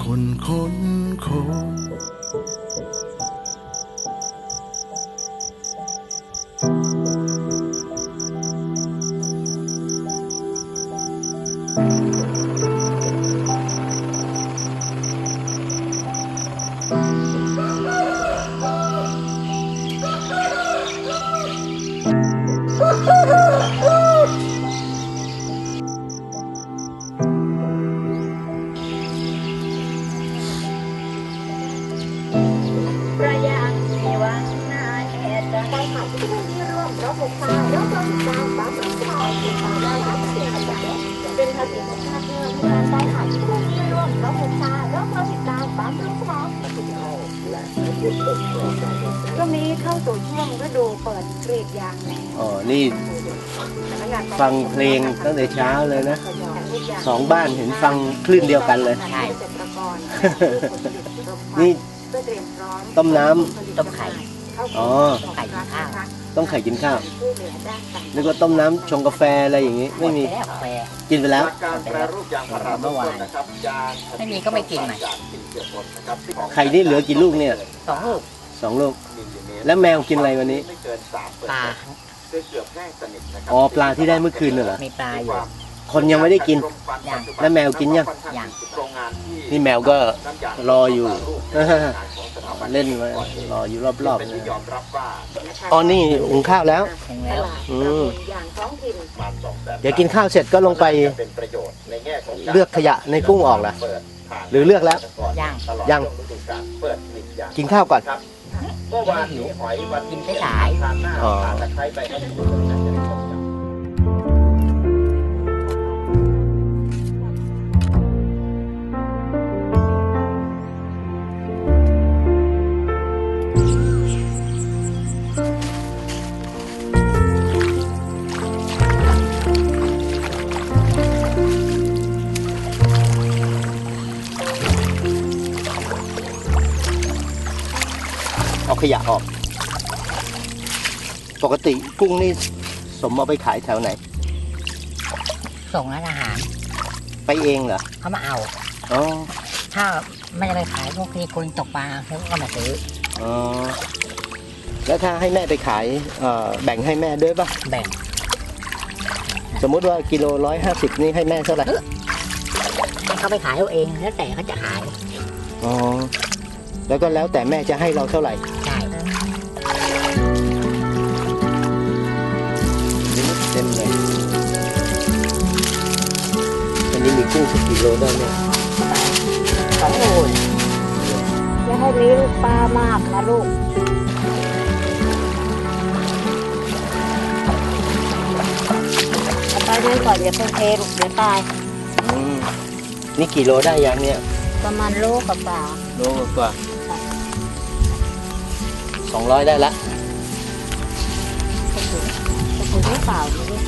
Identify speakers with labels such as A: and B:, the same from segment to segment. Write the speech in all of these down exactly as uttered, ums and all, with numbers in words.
A: คนคนคน
B: เป็นภาษีของชาติเมืองการได้หาผู้ที่ร่วมรับประชารับราชการตามรูปแบบช่วงนี้เข้าสู่ช่วงฤดูเปิดกรีดยางแล้ว
C: อ๋อนี่ฟังเพลงตั้งแต่เช้าเลยนะสองบ้านเห็นฟังคลื่นเดียวกันเลย
B: ใช่
C: นี่ต้มน้ำ
D: ต้มไข่
C: อ๋อ
D: ไข่กินข้าว
C: ต้มไข่กินข้าวนึกว่าต้มน้ำชงกาแฟอะไรอย่างงี้ไม่มี
D: แล้วกาแฟ
C: กินไปแล้ว
E: การแปรรูปยางพารา
D: เมื่อวาน
E: นะครับยาง
D: ไม่มีก็ไม่กินใหม่
C: ไข่นี่เหลือกี่ลูกเนี่ย
D: สองลูก
C: สองลูกแล้วแมวกินอะไรวันนี้
E: ไม่เกินสามเปอร์
D: ปลา
E: เซ็นต์เกือบแห้งสนิทนะครับ
C: อ๋อปลาที่ได้เมื่อคืนน่ะเหรอ
D: มีปลาอยู่
C: คนยังไม่ได้กิน
D: ยัง
C: แล้วแมวกินยัง
D: ยัง
E: โรงงานที่
C: นี่แมวก็รออยู่
E: ของสถาบัน
C: เล่นมารออยู่รอบๆ
E: เป็น
C: นะ
E: ที่ยอมรับว่า
C: อ๋อนี่หุงข้าวแล้ว
D: ถึงแล้ว
C: อืม
B: อย่างท้องถิ่น
E: ประมาณสองแสน
C: เดี๋ยวกินข้าวเสร็จก็ลงไป
E: เป็นประโยชน์ในแง่ของาร
C: เลือกขยะในกุ้งออกล่ะ
E: เปิดผ่าน
C: หรือเลือกแล้ว
D: ย่าง
E: ตลอด
C: ยัง
E: ช่วฤดูกาลเปิดปิดยาง
C: กินข้าวก่อน
E: ครับเมื่อวานนี้หอยวัน
D: กินไปสาย
E: ทานหน้า
C: อ๋อ
E: ทานตะไคร้ไปให้ดูเลยนะจะได้ชมกัน
C: เอาขยะออก ปกติกุ้งนี่สมเอาไปขายแถวไหน
D: ส่งร้านอาหาร
C: ไปเองเหรอ
D: เขามาเอา
C: อ๋อ
D: ถ้าไม่ได้ไปขายพวกที่คนตกปลาเขาก็มาซื้อ
C: อ๋อ แล้วถ้าให้แม่ไปขายเอ่อแบ่งให้แม่ด้วยป่ะ
D: แบ่ง
C: สมมุติว่ากิโลร้อยห้าสิบนี่ให้แม่เท่าไหร่
D: ให้เขาไปขายเอาเองแล้วแต่เขาจะขาย
C: อ๋อ แล้วก็แล้วแต่แม่จะให้เราเท่าไหร่
D: ใช่
C: เต็มเลยอันนี้มีกุ้งสักกี่โลได้เนี่ย
D: สองโล
B: จะให้มีลูกปลามากนะลูกเอาไปด้วยก่อนอย่าเพิ่งเทลูกเดี๋ยวตาย
C: อืมนี่กี่โลได้ยังเนี่ย
B: ประมาณโลกับปลา
C: โลกว่าสองร้อยได้ละ
B: จะถึงจะถึงหรือเปล่าไม่รู้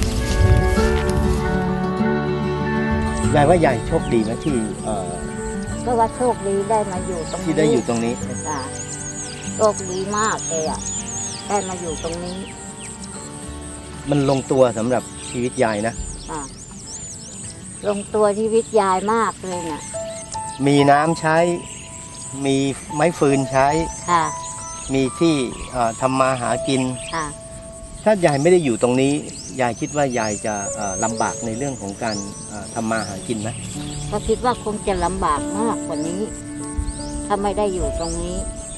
C: ยายว่ายายโชคดีนะที่เอ่อ
B: ก็ว่าโชคดีได้มาอยู่ตรงนี้
C: ที่ได้อยู่ตรงนี้
B: จ้ะโชคดีมากเลยอ่ะได้มาอยู่ตรงนี้
C: มันลงตัวสำหรับชีวิตยายนะ
B: อ่ะลงตัวชีวิตยายมากเลยเนี่ย
C: มีน้ำใช้ มีไม้ฟืนใช้
B: ค่ะ
C: มีที่เอ่อทำมาหากิน
B: ค่ะ
C: ถ้ายายไม่ได้อยู่ตรงนี้ ยายคิดว่ายายจะเอ่อลำบากในเรื่องของการเอ่อทำมาหากินไหม
B: ก็คิดว่าคงจะลำบากมากกว่านี้ ถ้าไม่ได้อยู่ตรงนี้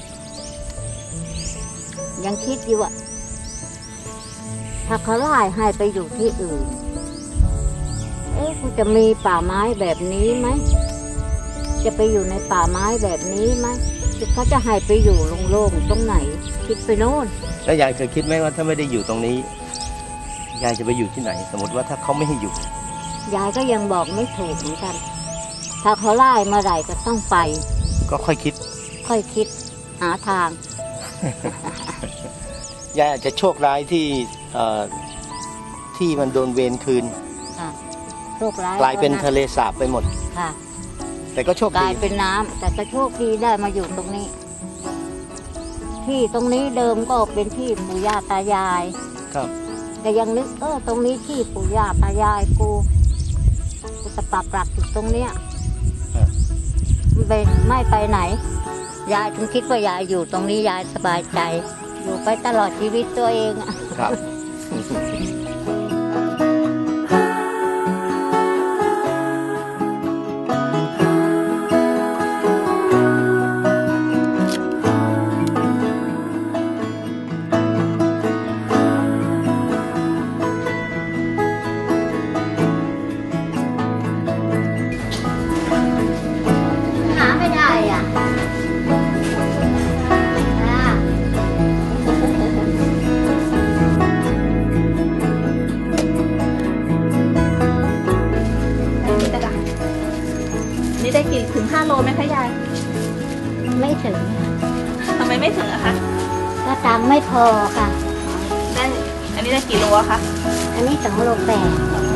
B: ยังคิดอยู่อ่ะถ้าเขาไล่ให้ไปอยู่ที่อื่น เอ๊ะคงจะมีป่าไม้แบบนี้ไหมจะไปอยู่ในป่าไม้แบบนี้ไหมเขาจะให้ไปอยู่โล่งๆตรงไหน คิดไปโน่น
C: แล้วยายเคยคิดไหมว่าถ้าไม่ได้อยู่ตรงนี้ ยายจะไปอยู่ที่ไหน สมมติว่าถ้าเขาไม่ให้อยู่
B: ยายก็ยังบอกไม่ถูกเหมือนกัน ถ้าเขาไล่เมื่อไหร่ก็ต้องไป
C: ก็ค่อยคิด
B: ค่อยคิดหาทาง
C: ยายอาจจะโชคร้ายที่เอ่อที่มันโดนเวรคืน
B: ค่ะโชคร้าย
C: กลายเป็นทะเลสาบไปหมด
B: ค่ะ
C: แต่ก็โชค
B: กลา
C: ดี
B: ยเป็นน้ำแต่ก็โชคดีได้มาอยู่ตรงนี้ ที่ตรงนี้เดิมก็เป็นที่ปู่ย่าตายาย
C: ครับ
B: แต่ยังนึกเออตรงนี้ที่ปู่ย่าตายายกูกูจะปักหลักอยู่ตรงเนี้ยไปไม่ไปไหน ยายถึงคิดว่ายายอยู่ตรงนี้ยายสบายใจ อยู่ไปตลอดชีวิตตัวเองอะ
C: ครับ
B: หาไม่ได้อ่ะอ่า
A: นี่ได้นี่ได้กี่ถึงห้าโลไหมคะยาย
B: ไม่ถึง
A: ทำไมไม่ถึงอะคะ
B: ก็ตังค์ไม่พอค่ะ
A: ได้ อันนี้ได้กี่โลอะคะ
B: อันนี้สองโลแปด
A: สองโล